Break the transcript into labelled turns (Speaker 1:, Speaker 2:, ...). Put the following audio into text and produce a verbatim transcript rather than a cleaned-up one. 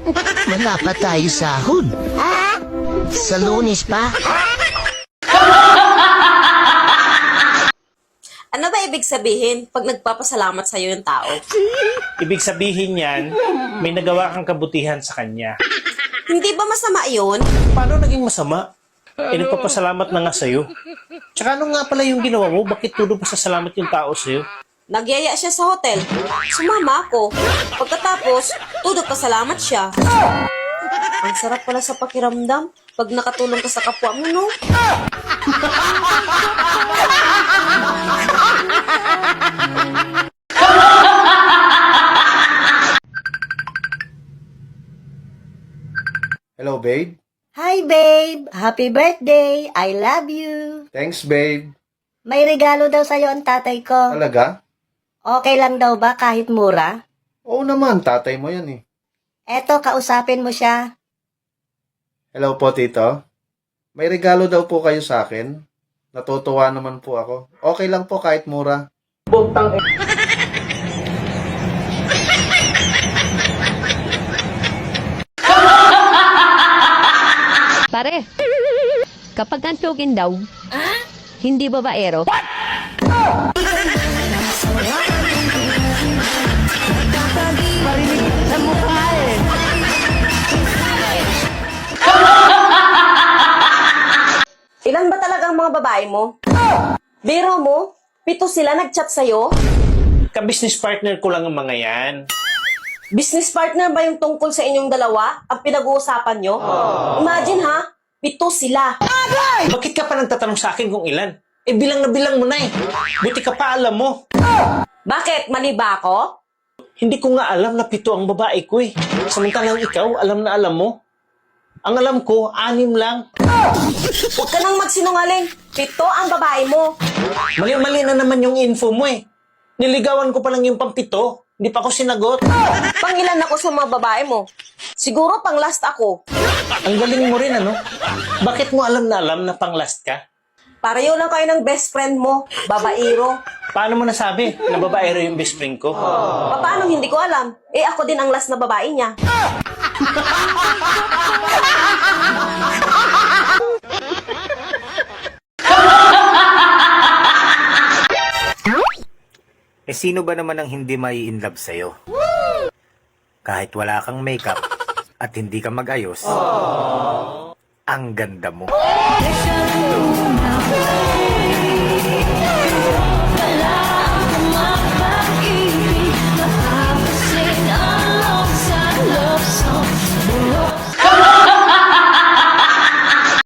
Speaker 1: Wala pa tayo sahod. Sa Lunes pa.
Speaker 2: Ano ba ibig sabihin pag nagpapasalamat sa'yo yung tao?
Speaker 3: Ibig sabihin yan, may nagawa kang kabutihan sa kanya.
Speaker 2: Hindi ba masama yun?
Speaker 3: Paano naging masama? Eh, nagpapasalamat na nga sa'yo. Tsaka ano nga pala yung ginawa mo? Bakit tulo pa sa salamat yung tao sa'yo?
Speaker 2: Nagyaya siya sa hotel. Sumama ako. Pagkatapos, tudok pasalamat siya. Ang sarap pala sa pakiramdam pag nakatulong ka sa kapwa mo, no?
Speaker 4: Hello, babe.
Speaker 5: Hi, babe! Happy birthday! I love you!
Speaker 4: Thanks, babe.
Speaker 5: May regalo daw sa'yo ang tatay ko.
Speaker 4: Talaga?
Speaker 5: Okay lang daw ba kahit mura?
Speaker 4: Oo naman, tatay mo yan eh.
Speaker 5: Eto, kausapin mo siya.
Speaker 4: Hello po, tito. May regalo daw po kayo sa akin. Natutuwa naman po ako. Okay lang po kahit mura.
Speaker 6: Pare, kapag antugin daw, hindi babaero.
Speaker 2: Ilan ba talagang mga babae mo? Biro mo, pito sila nag-chat sa'yo?
Speaker 3: Ka-business partner ko lang ang mga yan.
Speaker 2: Business partner ba yung tungkol sa inyong dalawa? Ang pinag-uusapan nyo? Imagine ha, pito sila.
Speaker 3: Bakit ka pa nagtatanong sa akin kung ilan? Eh, bilang na bilang mo na eh. Buti ka pa alam mo.
Speaker 2: Bakit? Mali ba ako?
Speaker 3: Hindi ko nga alam na pito ang babae ko eh. Samantalang ikaw, alam na alam mo. Ang alam ko, anim lang.
Speaker 2: Huwag ka nang magsinungaling. Pito ang babae mo.
Speaker 3: Mali-mali na naman yung info mo eh. Niligawan ko pa lang yung pampito. Hindi pa ako sinagot.
Speaker 2: Pangilan ako sa mga babae mo. Siguro pang last ako.
Speaker 3: Ang galing mo rin ano? Bakit mo alam na alam na pang last ka?
Speaker 2: Pareho lang kayo ng best friend mo, babaero.
Speaker 3: Paano mo nasabi na babaero yung best friend ko?
Speaker 2: Paano hindi ko alam? Eh ako din ang last na babae niya.
Speaker 7: Eh sino ba naman ang hindi mai-inlove sa'yo? Kahit wala kang makeup at hindi ka mag-ayos, ang ganda mo.